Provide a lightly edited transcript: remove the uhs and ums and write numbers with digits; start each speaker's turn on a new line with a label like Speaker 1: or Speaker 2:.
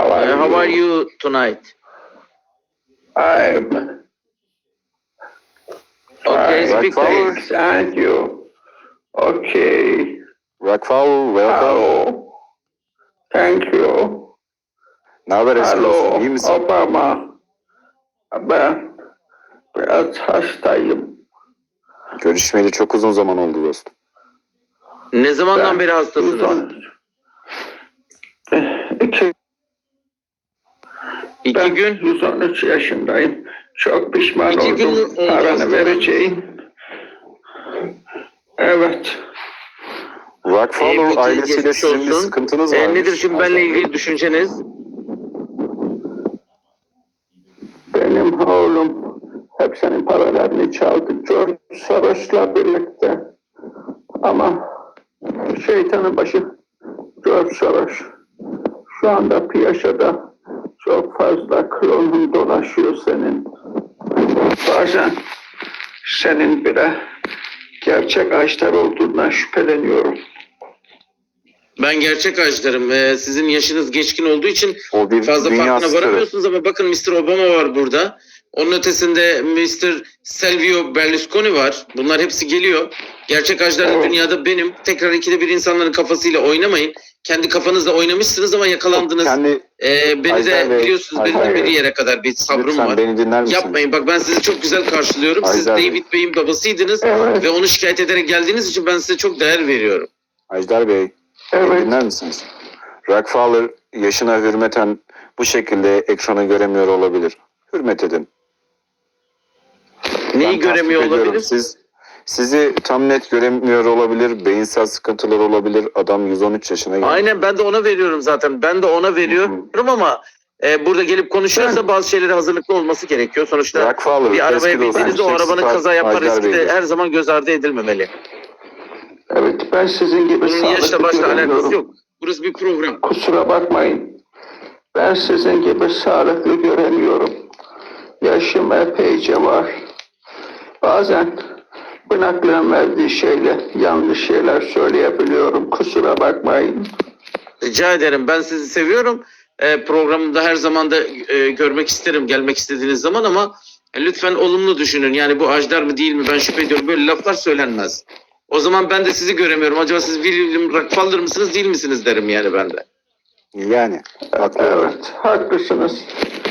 Speaker 1: How are you tonight?
Speaker 2: I'm
Speaker 1: Okay,
Speaker 2: fine,
Speaker 1: speak to me.
Speaker 2: thank you. Okay.
Speaker 3: Rockfowler, welcome.
Speaker 2: Hello. Thank you.
Speaker 3: Ne haber eski dostum, iyi
Speaker 2: Hello,
Speaker 3: misin?
Speaker 2: Obama. Ben biraz hastayım.
Speaker 3: Görüşmeyeli çok uzun zaman oldu dostum.
Speaker 1: Ne zamandan
Speaker 2: Ben
Speaker 1: beri hastasınız?
Speaker 2: 113
Speaker 1: İki
Speaker 2: ben
Speaker 1: gün.
Speaker 2: 113 yaşındayım. Çok pişman
Speaker 1: İki gün
Speaker 2: oldum.
Speaker 1: oldu
Speaker 2: Paranı
Speaker 1: hastalandınız.
Speaker 2: vereceğim. Evet.
Speaker 3: Rockfowler
Speaker 1: Peki,
Speaker 3: ailesiyle
Speaker 1: geçmiş
Speaker 3: sizin bir
Speaker 1: olsun.
Speaker 3: sıkıntınız var.
Speaker 1: Nedir şimdi benimle ilgili düşünceniz?
Speaker 2: Benim oğlum hepsinin paralarını çaldı George Soros'la birlikte. Ama şeytanın başı George Soros. Şu anda piyasada çok fazla klonun dolaşıyor senin. Bazen senin bile gerçek ağaçlar olduğundan şüpheleniyorum.
Speaker 1: Ben gerçek ağaçlarım. Sizin yaşınız geçkin olduğu için
Speaker 3: O bir
Speaker 1: fazla
Speaker 3: dünya
Speaker 1: farkına
Speaker 3: starı.
Speaker 1: varamıyorsunuz ama bakın Mr. Obama var burada. Onun ötesinde Mr. Silvio Berlusconi var. Bunlar hepsi geliyor. Gerçek ağaçlar da
Speaker 2: Evet.
Speaker 1: dünyada benim. Tekrar ikide bir insanların kafasıyla oynamayın. Kendi kafanızla oynamışsınız ama yakalandınız.
Speaker 3: Kendi
Speaker 1: Beni
Speaker 3: Ajdar
Speaker 1: de
Speaker 3: Bey,
Speaker 1: biliyorsunuz benim de
Speaker 2: Ajdar
Speaker 1: bir
Speaker 2: Bey.
Speaker 1: yere kadar bir sabrım
Speaker 3: lütfen
Speaker 1: var.
Speaker 3: beni dinler misiniz?
Speaker 1: Yapmayın. Bak ben sizi çok güzel karşılıyorum. Siz
Speaker 3: Ajdar Bey.
Speaker 1: David Bey'in babasıydınız
Speaker 2: Evet.
Speaker 1: ve onu şikayet ederek geldiğiniz için ben size çok değer veriyorum.
Speaker 3: Ajdar Bey, beni
Speaker 2: Evet.
Speaker 3: dinler misiniz? Rockfowler yaşına hürmeten bu şekilde ekranı göremiyor olabilir. Hürmet edin.
Speaker 1: Neyi
Speaker 3: Ben
Speaker 1: göremiyor
Speaker 3: tasvip ediyorum.
Speaker 1: olabilir?
Speaker 3: Sizi tam net göremiyor olabilir. Beyinsel sıkıntılar olabilir. Adam 113 yaşına geldi.
Speaker 1: Aynen ben de ona veriyorum zaten. Ben de ona veriyorum ama burada gelip konuşuyorsa bazı şeylere hazırlıklı olması gerekiyor. Sonuçta
Speaker 3: Rockfowler,
Speaker 1: bir arabaya
Speaker 3: eski dostum,
Speaker 1: bindiğinizde o
Speaker 3: Sex
Speaker 1: arabanın
Speaker 3: Star
Speaker 1: kaza yapma
Speaker 3: Ajdar
Speaker 1: riski de
Speaker 3: Bey'dir.
Speaker 1: her zaman göz ardı edilmemeli.
Speaker 2: Evet, ben sizin gibi
Speaker 1: Bunun yaşla
Speaker 2: sağlıklı
Speaker 1: başla alakası
Speaker 2: göremiyorum.
Speaker 1: yok. Burası bir program.
Speaker 2: Kusura bakmayın. Ben sizin gibi sağlıklı göremiyorum. Yaşım epeyce var. Bazen bınaklığın verdiği şeyle yanlış şeyler söyleyebiliyorum. Kusura bakmayın.
Speaker 1: Rica ederim. Ben sizi seviyorum. Programımda her zaman da görmek isterim gelmek istediğiniz zaman ama lütfen olumlu düşünün. Yani bu Ajdar mı değil mi ben şüphe ediyorum. Böyle laflar söylenmez. O zaman ben de sizi göremiyorum. Acaba siz William Rockefeller mısınız değil misiniz derim yani ben de.
Speaker 3: Yani haklı.
Speaker 2: Evet, haklısınız.